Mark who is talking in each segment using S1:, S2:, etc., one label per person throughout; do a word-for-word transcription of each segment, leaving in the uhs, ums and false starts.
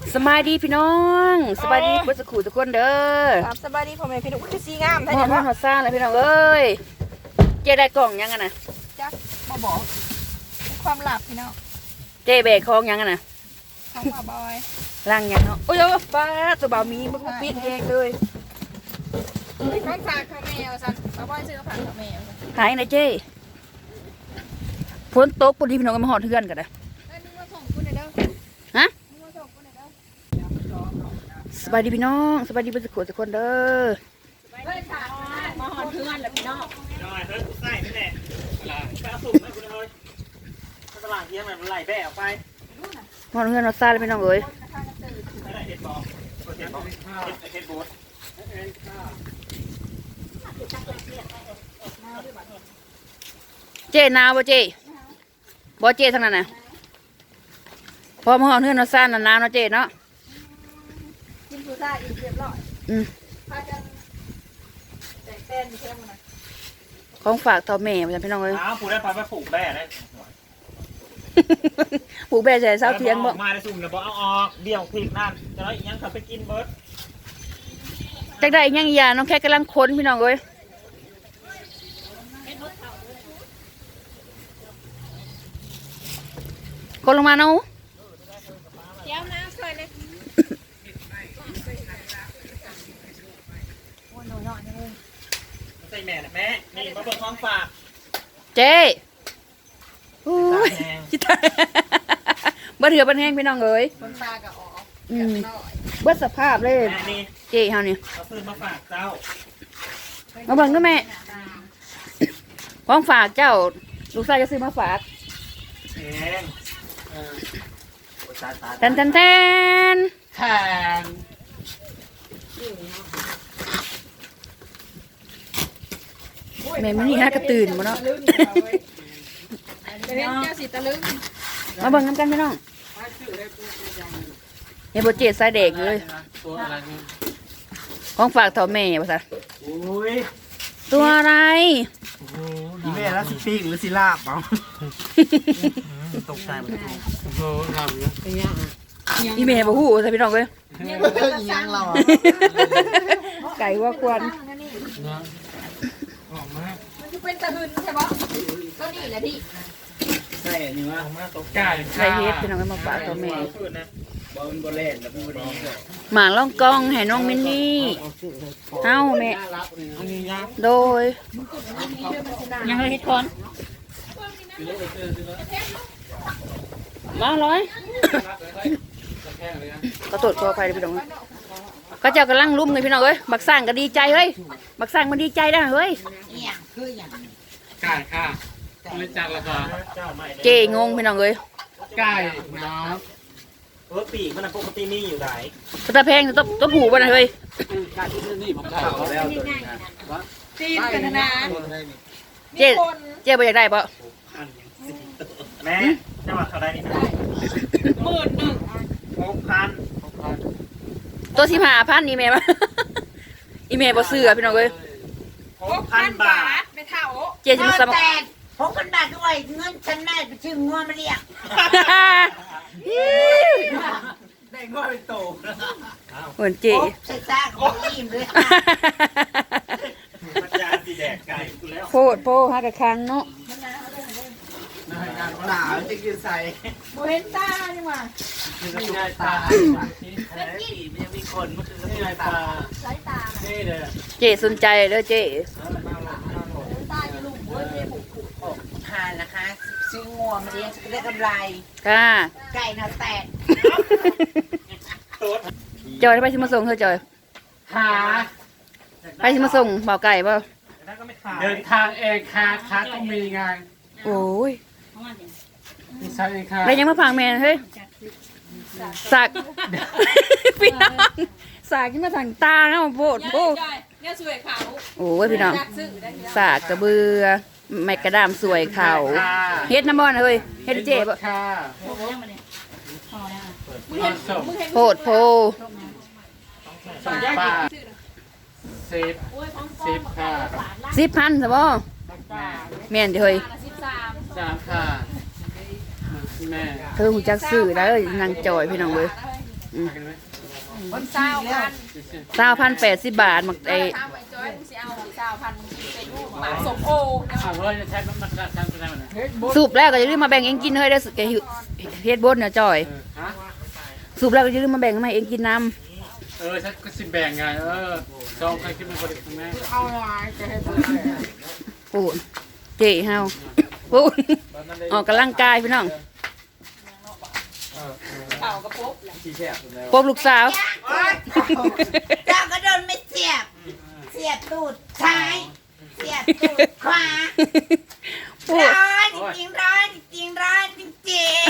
S1: สบายดีพี่น้องสบายดีพุทธขู่ทุกคนเด้อ
S2: ครับสบายดีพ่อแม่พี่น้องคือสีงาม
S1: หอดหอดหอดซ่าเลยพี่น้องเอ้ยเจ๊ได้กล่องยังไงนะ
S2: จักมาบอกความลับพี่น้อง
S1: เจ๊เบรคของยังไงนะ
S2: ของมาบอย
S1: ล่างยังเนาะโอ้ยป้าตัวบ่าวมีมันก็ปิดเองเลย
S2: ของฝากข้าวแมวสันมาบอยซื้อฝากข้าวแมว
S1: หายนะเจ๊ฝนตกพอดีพี่น้องก็มาหอดเทือนกันนะฮะสบายดีพี่น้องสบายดีพุทธขู่ทุกคนเด้อ
S2: มาหอดเทือนแล้วพี่น้อง
S3: น้อยเฮ้ยใส่นี่แหละไปเอาสุ่มให้คุณเลยตลาดเยี่ยมมันไหลแบะออกไป
S1: หอดเทือนหอดซ่าเลยพี่น้องเอ้ย
S3: เห็ดบอลเห็ดบอลเห็ดบูด
S1: เจ๊นาวบ่เจ๊บ่เจ๊ทั้งนั้นน่ะพอมาหอดเทือนหอดซ่าหนาวเนาะเจ๊เนาะ
S2: กินผู้ชายอีกเรียบร้อย
S1: อืม
S2: พากันแต่งเต้นเชื่อมันนะ
S1: ของฝากต่อแม่พี่น้องเอ้ย
S3: อ้าวผูได้พาไปปลูกแบะได้
S1: ปลูกแบะใส่เสาเทียงบ่
S3: มาได้สุ่มเดี๋ยวบอกเอาออกเดี่ยวผิดนั่นจะน้อยยังขับไปกินเบิร์ด
S1: จักได้ยังอีหยาน้องแค่กำลังค้นพี่น้องเอ้ยคนลงมาเนาะ
S2: เดี๋ยวน้ำใส่เลย
S3: ใส่แม่นะแม่นี่มาเปิดของฝาก
S1: เจ๊โอ้ยจิตาเบิดเถื่อบันแห้งพี่น้องเอ้ย
S2: คนตากับอ๋อ
S1: อืมเบิดสภาพเลยเจ๊เฮานี่
S3: เขาซื้อมาฝากเจ้า
S1: มาเบิ่งด้วยแม่ของฝากเจ้าลูกชายจะซื้อมาฝาก
S3: เอง
S1: แทนแทนแทน
S3: แทน
S1: แม่ไม่นี่ฮะกระตื่นมาเนาะ
S2: เรียนเจ้าสีตะลึง
S1: มาเบิ่งน้ำกันพี่น้องเฮ้ยโบเจตสายเด็กเลยของฝากต่อแม่ภาษาตัวอะไร
S3: อีเมลแล้วสิปีกหรือสิลาบเปล่าตกใจหมดเลยโอ้ทำเนี้ย
S1: อีเมลบอกหูใช่พี่น้องเลย
S3: ยังเรา
S1: ไก่ว่าควัน
S2: มันจะเป็นตะหึนใช่ปะก็นี่แหละพี่
S3: ใช่อันนี้ว่ามาตกใจ
S1: ไก่เฮ็ดพี่น้องก็มาฝากต่อแม่
S3: บอลบอลเล่นแล้วพูดดี
S1: หมาล่องกองให้น้องมินนี่เอ้าแม่โดยยังไงเฮ็ดก่อนมาร้อยก็ตรวจตัวไปพี่น้องก็เจ้ากำลังลุ้มเลยพี่น้องเอ้ยบักสร้างก็ดีใจเฮ้ยบักสร้างมันดีใจได้เฮ้ย
S3: ไก่ค่ะบริจาคราคา
S1: เจงงพี่น้องเอ้ย
S3: ไก่เนาะเออปีกมันปกติมีอยู่ไหน
S1: ตะแพงตัวตัวผูมันเฮ้ย
S3: ไก่ที่นี่ผมถ่ายแล้ว
S2: จีนกันนะ
S1: เจเจไปอยากได้ปะ
S3: แม่จังหวัดเขาได้นี่
S2: หมื่นหนึ่ง
S3: หกพัน
S1: ตัวสิบห้าพันอีเมลอีเมลบอซื้อพี่น้องเอ้ย
S2: หกพันบาทไม่เท่า
S1: เจจะมาสมัคร
S4: หกพันบาทด้วยเงินฉันแม่ไปชื่องัวมาเรียก
S3: ได้งัวเป็นโต
S1: เหมือนเจ
S4: ใส่ซ่าของอิ่มเลย
S3: มันจะสีแดงไก่กูแล้ว
S1: โคตรโพฮักกะคังเนาะ
S3: ตาจะกินใส่
S2: โมเห็นตานี่มา
S3: ไม่ได้ตาปีมันมีคนมันคือไม่ได้ตา
S2: สายตา
S3: นี่เลย
S1: เจสนใจเด้อเจ
S2: ตาจะลุกเว้ยเจ๊ผูกผูก
S4: ทานนะคะซื้องัวมาเลี้ยงจะได้กำไร
S1: ค่ะ
S4: ไก่น่าแตก
S1: จอยไปชิมาส่งเธอจอย
S3: หา
S1: ไปชิมาส่งเบาไก่ป่ะ
S3: เดินทางเองค่ะค่ะต้องมีงาน
S1: โอ้ย
S3: ใช่ค่ะ
S1: แล้วยังมาพังแมนเฮ้ยสักพี่น้องสักที่มาทางตาเนาะโบดโบด
S2: เนี่ยสวยเขา
S1: โอ้ยพี่น้องสักกระเบือไม้กระดามสวยเขาเฮ็ดน้ำบอลเฮ้ยเฮ็ดเจ๊ป่ะโพดโพ
S3: สิบสิบค่ะ
S1: สิบพันใช่ป่ะแม่นเฮ้ย
S3: สามค่ะแม่
S1: เธอหูจักสื่อแล้วนางจอยพี่น้องเลย
S2: คนเศร้าพัน
S1: เศร้าพันแปดสิบบาทมัก
S2: ไอ้
S1: ไอ้
S2: ทำไอ้จอยมึงสิเอาเศร้าพันเป็นลูกหมาสมโอ
S3: เอาเว้ยจะใช้มันมันจะทำอะไรมันนะ
S1: สูบแล้วก็อย่าลืมมาแบ่งเองกินเฮ้ยได้อแกเฮ็ดบดเนี่ยจอย
S3: ฮะ
S1: สูบแล้วก็อย่าลืมมาแบ่งให้เองกินน้
S3: เออฉันก็สิแบ่งไงเออจองใครคิดมันบริสุทธิ์แม่
S2: เอาไงจะให้ทำ
S1: ำปูนเจ๊เฮาปูนออกกำลังกายพี่น้อง
S2: เป่ากระปุก
S1: พบลูกสาว
S4: เจ้าก็โดนไม่เสียบ เสียบตูดซ้าย เสียบตูดขวา
S1: ปูน
S4: ร้อนจริงๆร้อนจริงๆร้อนจริง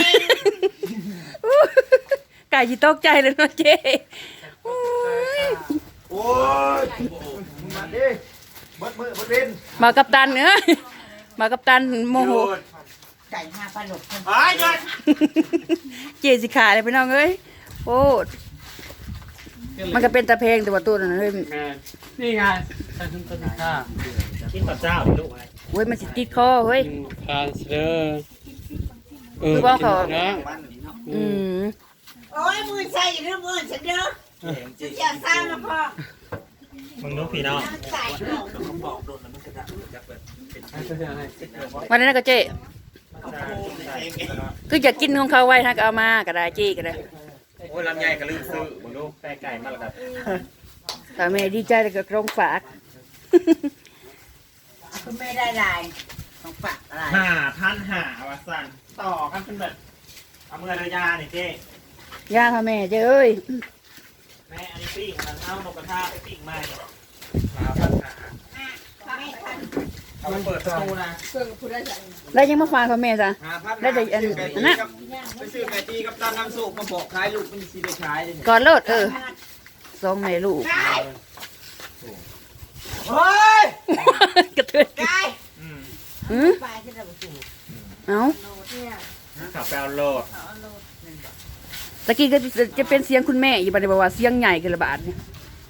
S1: ไก่จีตกใจเลยเนาะเจ๊โอ้ย
S3: โอ้ยมาดิบดมือบดเล่น
S1: มากับตันเอ้ยมากับตันโมโห
S4: ๆไก่ห้าปลาหลก
S3: ไอ้ยอด
S1: เจ๊สิขาเลยพี่น้องเอ้ยโอ้ดมันก็เป็นตะเพงแต่ว่าตัวนั้นเฮ้ย
S3: แม่นี่ไงฉันถึงต้นข้ากินกับเจ้าลูกไอ้
S1: เว้ยมันสิติดคอเฮ้ย
S3: คาสเดอร์เออ
S1: คือว่าเขา
S3: นะ
S1: อืม
S4: โอ้ยมือใส่หรือมือฉันเด้อจะเสียสร้างมาพ่อ
S3: มึงรู้ผีเนาะ
S4: น้ำใส่หนู
S1: วันนั้นก็เจ๊คืออยากกินของเขาไว้ถ้าก็เอามาก็ได้เจ๊ก็ได้
S3: โอ้ยลำไยก็ลืมซื้อมึงรู้แปลไก่มาแล้วครับ
S1: ถ้าแม่ดีใจแล้วก็กรงฝาก
S4: คุณไม่ได้ลายของฝากอะไร
S5: หาพันหาวาสันต่อกันเป็นแบบเอามือระยาเนี่ยเจ๊
S1: ย่าค่ะแม่เจ้เอ้ย
S5: แม่อันนี้ปิ้งมันเอานกกระทาไปปิ้งมาเนี่ยหาพันหา
S4: ไม่ทัน
S5: เอาไปเปิดประตูนะ
S2: เพิ่งพูดได้จัง
S1: แล้วยังมาฝากค่ะแม่จ้ะ
S5: หาพัน
S1: ได้แต่อันอันนั้น
S5: ไปซื้อไก่ตีกับตาน้ำสุกมาบอกขายลูกมันสีได้ขายเลยเนี่ย
S1: ก่อนโลดเออสองแม่ลูก
S5: เฮ้ย
S1: กระเทือน
S4: ไก่
S5: อืม
S1: อืม
S4: ปลาที่เราสูบ
S1: เอ้า
S5: ขับไปเอาโลด
S1: ตะกี้ก็จะเป็นเสียงคุณแม่อยู่บัดนี้บอกว่าเสียงใหญ่กันละบาทนี่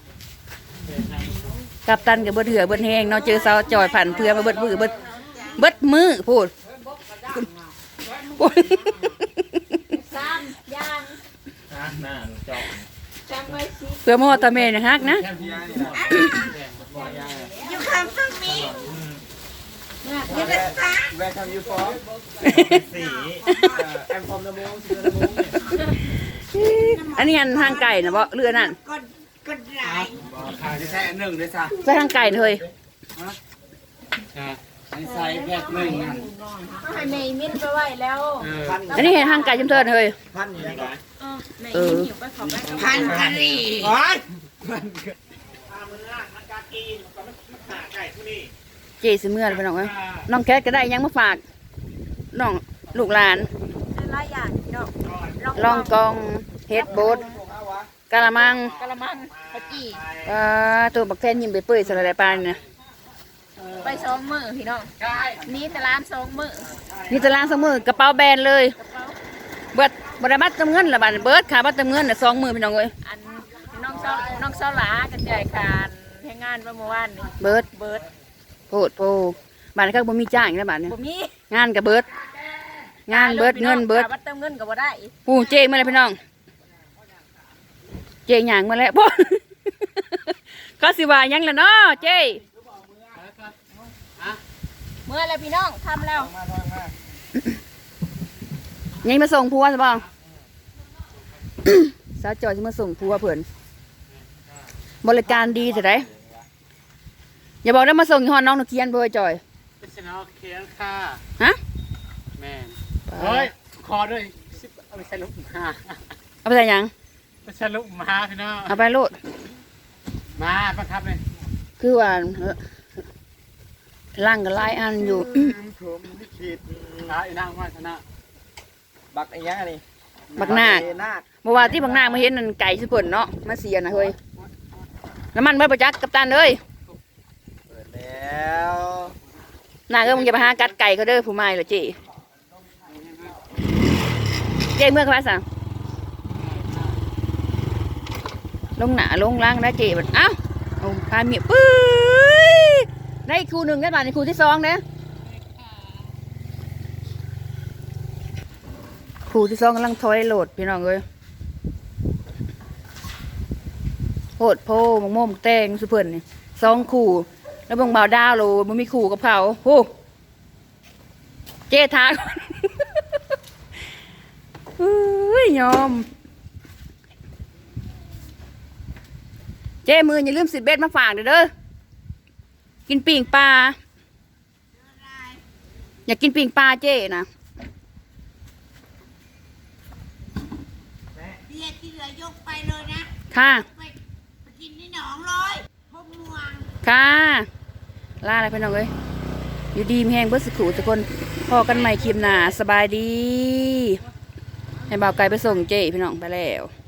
S1: กับตันกับเบิดเหือเบิดแหงเนาะเจอสาวจอยผ่านเพื่อมาเบิดมือเบิดเบิดมือพูดพูด
S2: ซ้ำย่าง
S5: นะหน้าหนูจอก
S2: จำไว้สิ
S1: เพื่อมอตาแม่นะฮักนะ
S5: แค่พี่นี่นะบอกยาย
S4: อยู่ข้างฝั่งนี้อยู่ด้านซ้าย
S5: แวร์คัมยูฟอร์สีแอมฟอมเดอะมูนสีเดอะมูนเนี่ย
S1: อันนี้อันทางไก่นะบ่เรือนั่น
S4: ก็ก็ได้
S3: ขายได้แค่หนึ่งด้วยซ้
S1: ใส่ทางไก่เลย
S3: ำอันนี้ใส่แค่หนึ่งอัน
S2: ให้แม่มิ้นไปไว้แล้ว
S3: เออ
S1: อันนี้เห็นทางไก่จำเทินเลย
S5: พันอยู่ไหน
S2: แม่มิ้นหิวไปขอไปกับ
S4: พันกะหรี่
S5: โอ้ยพามือล่างมันกากีนก็มันหาไก่ที่นี่
S1: เจสิเมื่อไปน้องเอ้ยน้องแคทก็ได้ยังมาฝากน้องลูกหลาน
S2: หลายอย่างเนาะ
S1: ลองกองเฮ็ดโบดกะละมัง
S2: กะละมังกะจี
S1: อ่าตัวบักแทนยิ้มไปเปื่อยสลัดปลาเนี่ย
S2: ไปสองมือพี่น้องนี่แต่ร้านสองมือ
S1: นี่ตารางสองมือกระเป๋าแบนเลย เบิดบไดบัตรเติมเงินละบาทเบิดขาบัตรเติมเงินน่ะสองมือพี่น้องเอ้ย
S2: อันน้องเซาน้องเซาหลากันใจการให้งานเมื่อวานนี่
S1: เบิด
S2: เบิร์ด
S1: โพดโพบาทนี้ก็บ่มีจ้างอีกแล้วบาทเนี่ย
S2: บ่มี
S1: งานกับเบิด งานเบิดเงินเบิด
S2: บัตรเติมเงินก็บ่ได้
S1: ปูเจมาเลยพี่น้อง เจหยางมาแล้ว พ่อ ก็สิว่าหยังล่ะเนาะเจ
S2: เมื่อไรพี่น้องทำแล้ว
S1: ยังมาส่งผัวใช่ป่ะ สาวจอยจะมาส่งผัวเพื่อนบริการดีแต่ไหนอย่าบอกได้มาส่งยี่ห้อน้องนกเคียนเบอร์จอย
S3: เป็นชนะเคียนค่ะ
S1: ฮะ
S3: แม่เฮ้ยคอด้วยเอาไปใช้ลูกมา
S1: เอาไปใส่หยัง
S3: ไปใช้ลูกมาพี่น้อง
S1: เอาไปโลด
S3: มาบังคับเลย
S1: คือว่าเอ่อล่างกับลายอันอยู่
S5: ผมไม่คิด
S3: นะอีนางว่าชนะ
S5: บักไอ้ยังอะไร
S1: บักหน้า
S5: นาค
S1: เมื่อวานที่บักหน้ามาเห็นนั่นไก่สิเปิ่นเนาะมาเสียนะเฮ้ยน้ำมันเบิดประจักษ์กับตันเลย
S5: เปิดแล้ว
S1: หน้าก็มึงจะไปหากัดไก่เขาเด้อผู้ไม่เหรอเจ๊เจ๊เมื่อไหร่สั่งลงหนาลงล่างนะเจ๊บัดเอ้าเอาพาเมียปื้ยได้ครูหนึ่งได้บาทในครูที่สองเนี่ยครูที่สองกำลังถอยโหลดพี่น้องเลยโหดโพมงโม่มแตงสุเพิ่นนี่สองคู่แล้วเบิ่งบ่าวดาวโลบ่มีคู่กับเขาโหเจ๊ทาก่อนเฮ้ยยอมเจ๊มืออย่าลืมสิบเบ็ดมาฝากเด้อเด้อกินปิ่งปลาอยากกินปิ่งปลาเจ๊นะ
S4: เบียร์ที่เหลือยกไปเลยนะ
S1: ค่ะ
S4: ไปไปกินที่หนองเลยพบม่วง
S1: ค่ะล่าอะไรพี่น้องเอ้ยอยู่ดีมีแห้งเบิดสักครู่ทุกคนพอกันใหม่คลิปหน้าสบายดี ให้บ่าวไก่ไปส่งเจ๊พี่น้องไปแล้ว